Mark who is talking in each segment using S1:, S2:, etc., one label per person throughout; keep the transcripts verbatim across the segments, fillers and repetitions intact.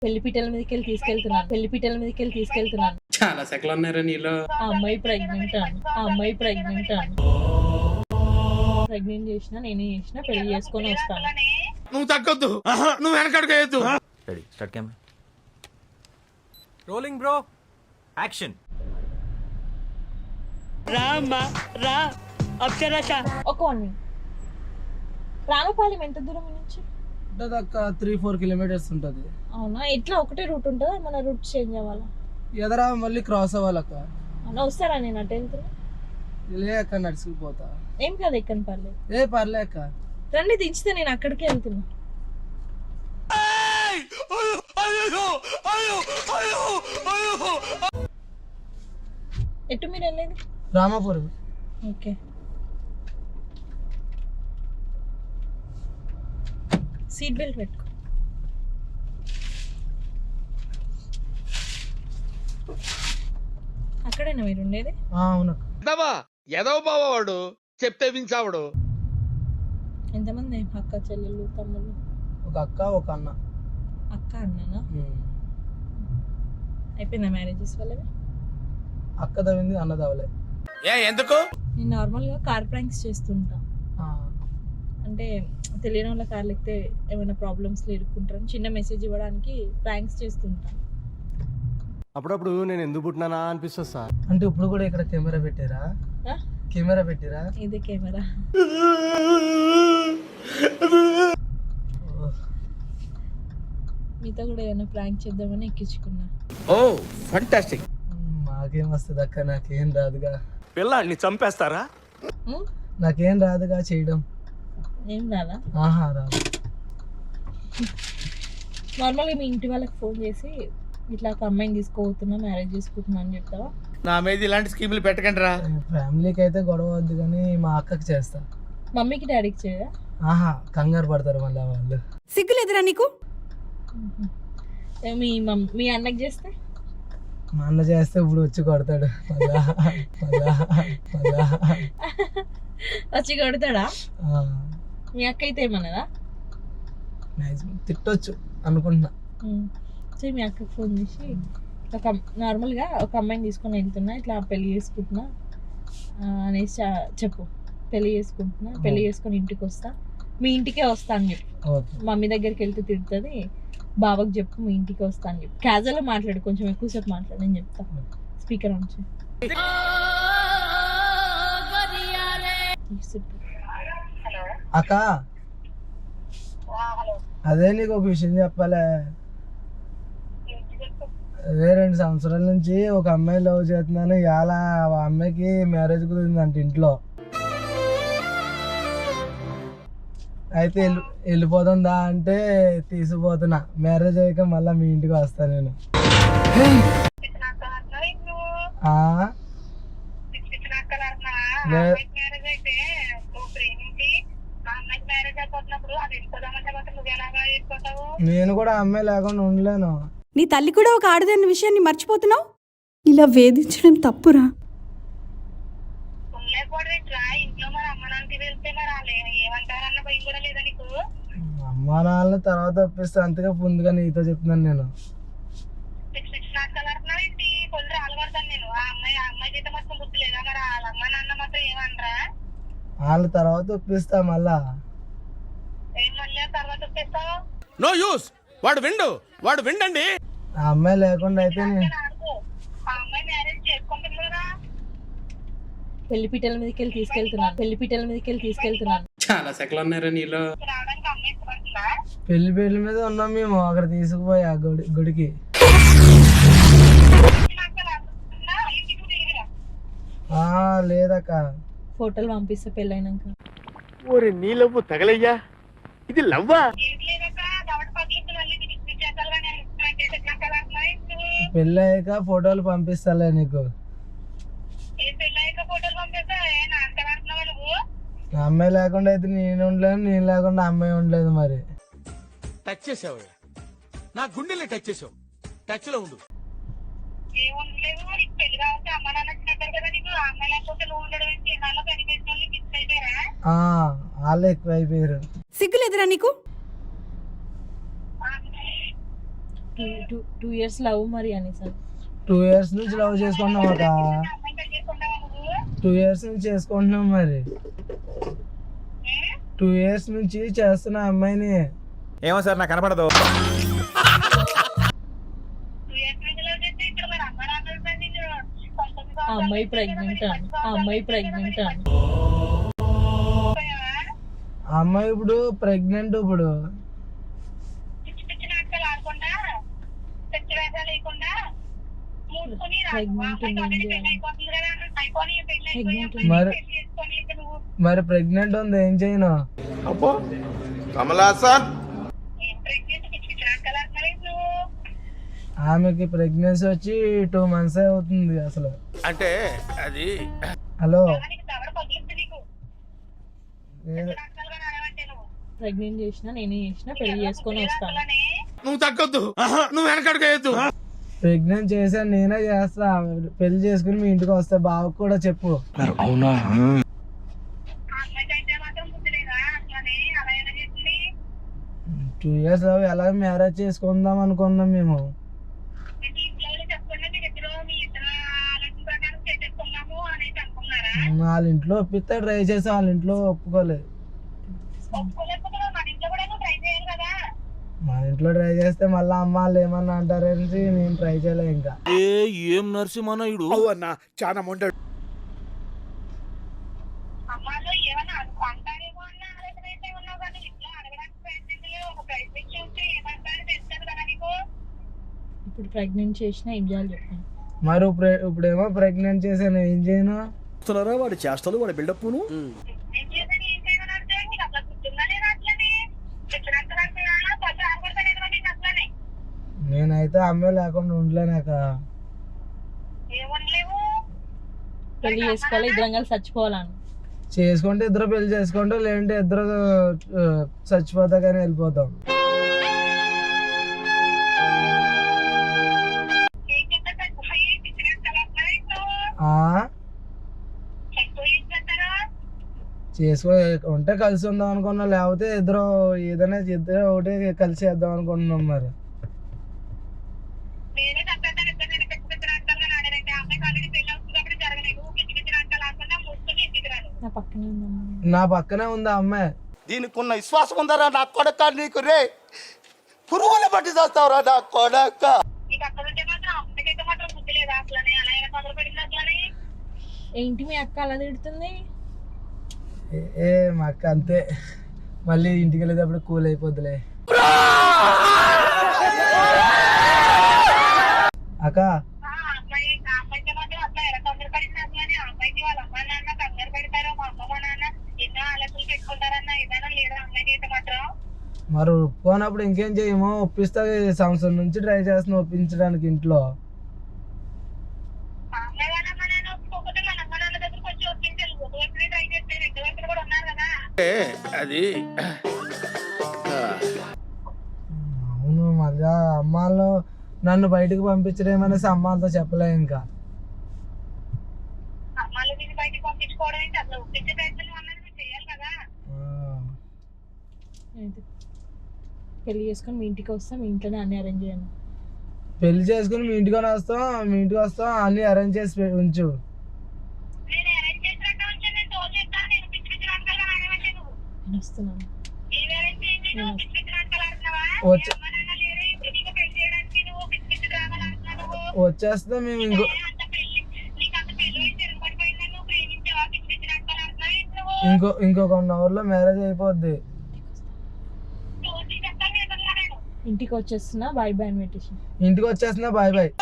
S1: పెళ్లిపీటల మీదకి వెళ్ళి తీసుకెళ్తున్నాను పెళ్లిపీటల మీదకి వెళ్ళి తీసుకెళ్తున్నాను
S2: చాలా సెకలు ఉన్నారా నీలో.
S1: ఆ అమ్మాయి ప్రెగ్నెంట్ అని ఆ అమ్మాయి ప్రెగ్నెంట్ అని ప్రెగ్నెంట్ చేసిన నేనే చేసిన పెళ్లి చేసుకొని వస్తాను.
S2: నువ్వు తగ్గొద్దు, నువ్వు వెనకడుగు.
S3: Ready start camera rolling bro action.
S1: రా అమ్మా రా అక్షరాశ ఒక వన్ రామపాలెం ఎంత దూరం నుంచి
S4: ఉంటుంది అక్క, త్రీ ఫోర్ కిలోమీటర్స్ ఉంటుంది.
S1: అవునా, ఎట్లా ఒకటే రూట్ ఉంటుందా, మన రూట్ చేంజ్ అవ్వాలా?
S4: ఎదరా మళ్ళీ క్రాస్ అవ్వాలక్క.
S1: అవునా, వస్తారా? నేను అటు వెళ్తున్నా.
S4: లే అక్క, నడుచుకుపోతా.
S1: ఏం కాదు, ఎక్కని పర్లేదు.
S4: ఏ పర్లే అక్క,
S1: రండి దించితే నేను అక్కడికే వెళ్తున్నా. ఎటు మీరు వెళ్ళేది?
S4: రామాపురం.
S1: ఓకే, సీట్ బెల్ట్ పెట్టుకో. అక్కడేనా మీరు ఉండేది?
S4: అవును.
S2: ఎదవ బావాడు చెప్తే వించావాడు.
S1: ఎంతమంది అక్క చెల్లెళ్ళు తమ్ముళ్ళు?
S4: ఒక అక్క ఒక అన్న.
S1: అక్క అన్నానా? అయిపోయిందా మ్యారేజెస్ వాళ్ళవి?
S4: అక్క తవ్వింది, అన్న తవ్వలే.
S2: ఏ ఎందుకు?
S1: నేను నార్మల్గా కార్ ప్రాంక్స్ చేస్తుంటా. అంటే తెలియని వాళ్ళ కార్లు ఎక్కితే ఏమైనా ప్రాబ్లమ్స్ ఇరుక్కుంటారని చిన్న మెసేజ్ ఇవ్వడానికి ప్రాంక్స్ చేస్తుంటా.
S3: అప్పుడప్పుడు నేను ఎందుకు పుట్టినానా అనిపిస్తుంది సార్.
S4: అంటే ఇప్పుడు కూడా ఇక్కడ కెమెరా పెట్టారా? కెమెరా పెట్టారా?
S1: ఇదే కెమెరా. మీతో కూడా ఏమైనా ప్రాంక్ చేద్దామని ఎక్కించుకున్నా.
S2: ఓ ఫంటాస్టిక్.
S4: మాకేం వస్తుంది అక్క, నాకేం రాదుగా.
S3: పిల్లాడిని చంపేస్తారా?
S4: నాకేం రాదుగా చేయడం.
S1: ఏం రాదా?
S4: ఆహా రాదు.
S1: నార్మల్గా మీ ఇంటి వాళ్ళకి ఫోన్ చేసి ఇట్లా ఒక అమ్మాయిని తీసుకోబోతున్నా, మ్యారేజ్ చేసుకుంటున్నా అని చెప్తావా?
S2: నా మీద ఇలాంటి స్కీములు పెట్టకండి రా.
S4: ఫ్యామిలీకి అయితే గొడవ వద్దు, కానీ మా అక్కకి చేస్తా.
S1: మమ్మీకి డాడీకి చేయదా?
S4: ఆహా, కంగారు పడతారు మళ్ళీ వాళ్ళు.
S5: సిగ్గులేదురా నీకు?
S1: మీ మమ్ మీ అన్నకి చేస్తే?
S4: మా అన్న చేస్తే ఇప్పుడు వచ్చి కొడతాడు. మళ్ళా మళ్ళా మళ్ళా
S1: వచ్చి కొడతాడా?
S4: ఆ,
S1: మీ అక్క అయితే ఏమన్నదా?
S4: మ్యాక్సిమం తిట్టొచ్చు అనుకుంటున్నా.
S1: సో మీ అక్కకి ఫోన్ చేసి ఒక నార్మల్గా ఒక అమ్మాయిని తీసుకొని వెళ్తున్నా, ఇట్లా పెళ్లి చేసుకుంటున్నా అనేసి చెప్పు. పెళ్లి చేసుకుంటున్నా, పెళ్లి చేసుకొని ఇంటికి వస్తా, మీ ఇంటికే వస్తా అని చెప్పు.
S4: ఓకే.
S1: మమ్మీ దగ్గరికి వెళ్తే తిడుతుంది, బాబాకి చెప్పు మీ ఇంటికి వస్తా అని చెప్పు. క్యాజువల్గా మాట్లాడు, కొంచెం ఎక్కువసేపు మాట్లాడు, నేను చెప్తా. స్పీకర్ ఆన్ చేయి.
S4: అక్క, అదే నీకు ఒక విషయం చెప్పాలే. అదే రెండు సంవత్సరాల నుంచి ఒక అమ్మాయి లవ్ చేస్తున్నాను, ఇవాళ ఆ అమ్మాయికి మ్యారేజ్ కుదిరిందంట ఇంట్లో. అయితే వెళ్ళి వెళ్ళిపోతుందా అంటే తీసుకుపోతున్నా. మ్యారేజ్ అయ్యాక మళ్ళీ మీ ఇంటికి వస్తా నేను. నేను కూడా అమ్మాయి లేకుండా ఉండలేను.
S5: నీ తల్లి కూడా ఒక ఆడదన్న విషయాన్ని మర్చిపోతున్నావు. ఇలా వేధించడం తప్పురా.
S4: అమ్మా నాన్న తర్వాత ఒప్పిస్తే, అంతగా ముందుగా నీతో చెప్తున్నాను నేను. వాళ్ళ తర్వాత ఒప్పిస్తా మళ్ళా.
S2: No use. వాడు విండు, వాడు విండండి.
S4: ఆ అమ్మాయి లేకుండా అయితే నేను
S1: పెళ్లిపీటల మీదకి వెళ్ళి తీసుకెళ్తున్నాను పెళ్లిపీటల మీదకి వెళ్ళి తీసుకెళ్తున్నాను
S2: చాలా సెకలు ఉన్నారా నీలో.
S4: పెళ్లి పెళ్లి మీద ఉన్నాం మేము. అక్కడ తీసుకుపోయి ఆ గుడి గుడికి ఆ లేదక్క.
S1: ఫోటోలు పంపిస్తే పెళ్ళైనాక.
S2: ఓరే నీ లవ్వు తగలయ్యా, ఇది లవ్వా?
S4: పెళ్ళి అయ్యాక ఫోటోలు పంపిస్తాలే నీకు. అమ్మాయి లేకుండా అయితే నేను ఉండలేను, నేను లేకుండా అమ్మాయి ఉండలేదు. మరి
S2: టచ్ చేసావు, నా గుండెల్ని టచ్ చేసావు. టచ్ లో ఉండు.
S4: వాళ్ళు ఎక్కువ అయిపోయారు.
S5: సిగ్గులేదురా నీకు?
S1: Two two two years love మరి అని సార్
S4: టూ ఇయర్స్ నుంచి లవ్ చేసుకుంటున్నాం అక్క. టూ ఇయర్స్ నుంచి చేసుకుంటున్నాం మరి. టూ ఇయర్స్ నుంచి చేస్తున్నా అమ్మాయిని.
S6: ఏమో సార్ నాకు కనపడదు.
S1: ఆ అమ్మాయి ప్రెగ్నెంట్ అని ఆ అమ్మాయి ప్రెగ్నెంట్ అని
S4: ఆ అమ్మాయి ఇప్పుడు ప్రెగ్నెంట్. ఇప్పుడు మరి మరి ప్రెగ్నెంట్ ఉంది, ఏం చేయను?
S6: అబ్బో కమలాసన్.
S4: ఆమెకి ప్రెగ్నెన్సీ వచ్చి టూ మంత్స్ అవుతుంది అసలు.
S2: అంటే అది
S4: హలో,
S1: ప్రెగ్నెంట్ చేసిన నేనే చేసిన పెళ్లి చేసుకొని వస్తాను.
S2: నువ్వు తగ్గొద్దు, నువ్వు వెనకడుగు.
S4: ప్రెగ్నెంట్ చేశాను, నేనే చేస్తా. పెళ్లి చేసుకుని మీ ఇంటికి వస్తా. బావకు కూడా చెప్పు.
S3: అవునా?
S4: టూ ఇయర్స్ ఎలా మ్యారేజ్ చేసుకుందాం అనుకున్నాం మేము. వాళ్ళ ఇంట్లో ఒప్పిస్తే ట్రై చేసాం, వాళ్ళ ఇంట్లో ఒప్పుకోలేదు. మన ఇంట్లో ట్రై చేస్తే మళ్ళీ అమ్మ వాళ్ళు ఏమన్నా అంటారని నేను ట్రై చేయలే. ఇంకా
S2: ఏం నరసింహనాయుడు అన్న చాలా మొండాడు.
S1: ఇప్పుడు ప్రెగ్నెంట్ చేసిన ఏం చేయాలి చెప్పండి.
S4: మరి ఇప్పుడు ఇప్పుడేమో ప్రెగ్నెంట్ చేశాను, ఏం చేయను?
S3: వాడి చేష్టలు వాడి బిల్డప్
S4: నేనైతే అమ్మాయి లేకుండా ఉండలేనాక.
S1: పెళ్లి చేసుకోవాలి, ఇద్దరం కలిసి చచ్చిపోవాలని.
S4: చేసుకుంటే ఇద్దరు పెళ్లి చేసుకుంటాం, లేదంటే ఇద్దరు ఆ, చచ్చిపోతా కానీ వెళ్ళిపోతాం. ఆ? చేసుకో ఉంటే కలిసి ఉందాం అనుకున్నాం, లేకపోతే ఇద్దరు ఏదైనా ఇద్దరు ఒకటి కలిసి చేద్దాం అనుకుంటున్నాం. మరి
S1: నా పక్కనే ఉందమ్మా.
S4: నా పక్కనే ఉందా అమ్మాయి?
S2: దీనికి ఉన్న విశ్వాసం ఉందరా నా కొడక నీకు రే పురుగుల బట్టి చేస్తావురా నా కొడక.
S1: ఏంటి మీ అక్క అలా తిడుతుంది?
S4: ఏ- ఏ మా అక్క అంతే, మళ్ళీ ఇంటికి వెళ్ళేటప్పుడు కూల్ అయిపోద్దులే. అక్క మరి ఒప్పుకోనప్పుడు ఇంకేం చేయమో, ఒప్పిస్తా. ఈ సంవత్సరం నుంచి ట్రై చేస్తున్నా ఒప్పించడానికి ఇంట్లో.
S2: అది
S4: అవును, మళ్ళీ అమ్మాళ్ళు నన్ను బయటకు పంపించడేమనేసి అమ్మాలతో చెప్పలే. ఇంకా
S1: అయితే పెళ్లి చేసుకొని మీ ఇంటికి వస్తాం, మీ ఇంట్లోనే అన్ని అరేంజ్ చేయండి.
S4: పెళ్లి చేసుకుని మీ ఇంటికి వస్తాం, మీ ఇంటికి వస్తాం, అన్ని అరేంజ్ చేసి పె- ఉంచు.
S1: నేను వస్తున్నాను.
S4: వచ్చే వచ్చేస్తే మేము ఇంకో ఇంకో ఇంకొక వన్ అవర్ లో మ్యారేజ్ అయిపోద్ది.
S1: ఇంటికి వచ్చేస్తున్నా, బాయ్ బాయ్ అని పెట్టేసి.
S4: ఇంటికి వచ్చేస్తున్నా, బాయ్ బాయ్.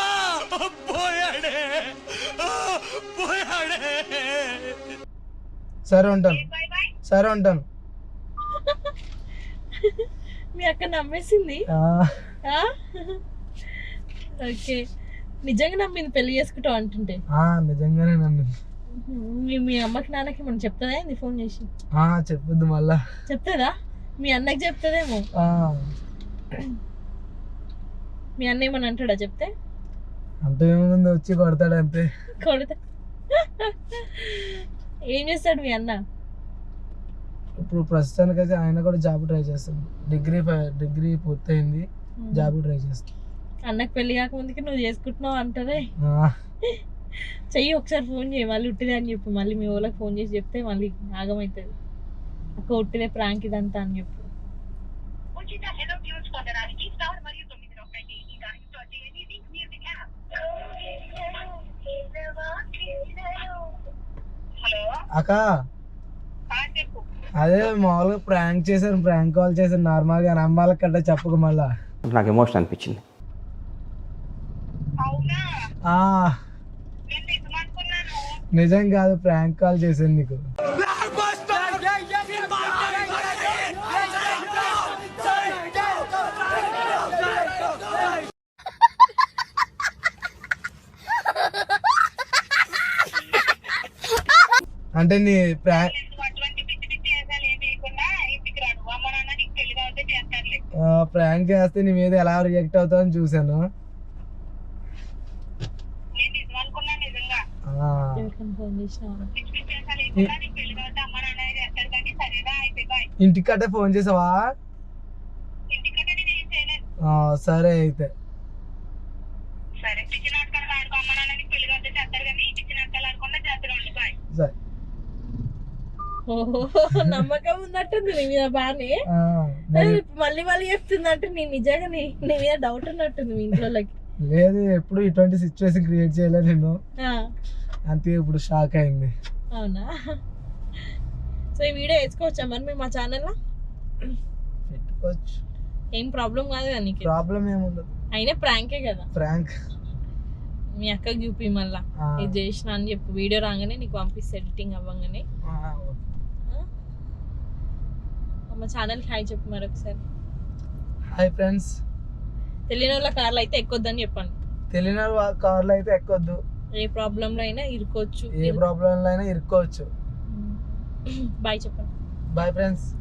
S4: సరే ఉంటాను, సరే ఉంటాను.
S1: మీ అక్క నమ్మేసింది.
S4: ఆ,
S1: ఆ? ఓకే, నిజంగా నమ్మింది పెళ్లి చేసుకుంటావు అంటుంటే.
S4: ఆ, నిజంగానే నమ్మింది.
S1: మీ మీ అమ్మకి నాన్నకి మనం చెప్తుందా ఏంది ఫోన్ చేసి?
S4: ఆ, చెప్పొద్దు మళ్ళా.
S1: చెప్తుందా? మీ అన్నకి చెప్తుందేమో.
S4: ఆ,
S1: మీ అన్న ఏమని అంటాడా చెప్తే?
S4: అంత ఏముంది, వచ్చి కొడతాడు అంతే.
S1: కొడతా. ఏం చేస్తాడు మీ అన్న?
S4: ఇప్పుడు ప్రస్తుతానికైతే ఆయన కూడా జాబ్ ట్రై చేస్తాడు. డిగ్రీ ఫై- డిగ్రీ పూర్తయింది, జాబ్ ట్రై చేస్తాడు.
S1: అన్నకు పెళ్లి కాకముందుకి నువ్వు చేసుకుంటున్నావు అంటారే.
S4: ఆ,
S1: చెయ్యి ఒకసారి ఫోన్ చేయి, మళ్ళీ ఉట్టిదే అని చెప్పు. మళ్ళీ మీ వాళ్ళకి ఫోన్ చేసి చెప్తే మళ్ళీ ఆగమవుతుంది. అక్క ఉట్టిదే ప్రాంక్ ఇదంతా అని చెప్పు.
S4: అక్క అదే మామూలుగా ప్రాంక్ చేశాను, ప్రాంక్ కాల్ చేశాను నార్మల్గా, నమ్మాలకి కట్ట చెప్పక మళ్ళా.
S7: నాకు ఎమోషన్ అనిపించింది.
S4: ఆ, నిజం కాదు, ప్రాంక్ కాల్ చేశాను నీకు. అంటే నీ ప్రాంక్ ప్రాంక్ చేస్తే నీ మీద ఎలా రియాక్ట్ అవుతావు అని చూసాను. ఆ,
S1: ఎవరికైనా ఫోన్ చేసినావా?
S4: ఇంటికట్టే ఫోన్ చేసావా? ఆ, సరే అయితే. సరే.
S1: ఓహో, నమ్మకం ఉన్నట్టుంది నీ మీద బానే.
S4: ఆ, మరి
S1: మళ్ళీ మళ్ళీ చెప్తుందంటే నీ నిజంగా నీ నీ మీద డౌట్ ఉన్నట్టుంది మీ ఇంట్లోకి.
S4: లేదు, ఎప్పుడు ఇటువంటి సిచ్యువేషన్ క్రియేట్ చేయలేదు నేను,
S1: ఆ,
S4: అంతే ఇప్పుడు షాక్ అయింది.
S1: అవునా? సో ఈ వీడియో వేసుకోవచ్చా మరి మేము మా ఛానల్లో?
S4: పెట్టుకోవచ్చు,
S1: ఏం ప్రాబ్లం కాదు కదా నీకు?
S4: ప్రాబ్లం ఏముండదు.
S1: అయినా ప్రాంకే కదా.
S4: ప్రాంక్.
S1: మీ అక్కకి చూపి మళ్ళా ఇది చేసిన అని చెప్పు. వీడియో రాగానే నీకు పంపిస్తే ఎడిటింగ్ అవ్వగానే. మా ఛానల్కి హాయ్ చెప్పు మరి ఒకసారి.
S4: Hi friends.
S1: తెలియని వాళ్ళ కార్లో అయితే ఎక్కొద్దని చెప్పండి.
S4: తెలియని కార్లో అయితే ఎక్కొద్దు,
S1: ఏ ప్రాబ్లంలో అయినా ఇరుకోవచ్చు.
S4: ఏ ప్రాబ్లంలో అయినా ఇరుక్కోవచ్చు.
S1: బాయ్ చెప్పండి.
S4: Bye friends.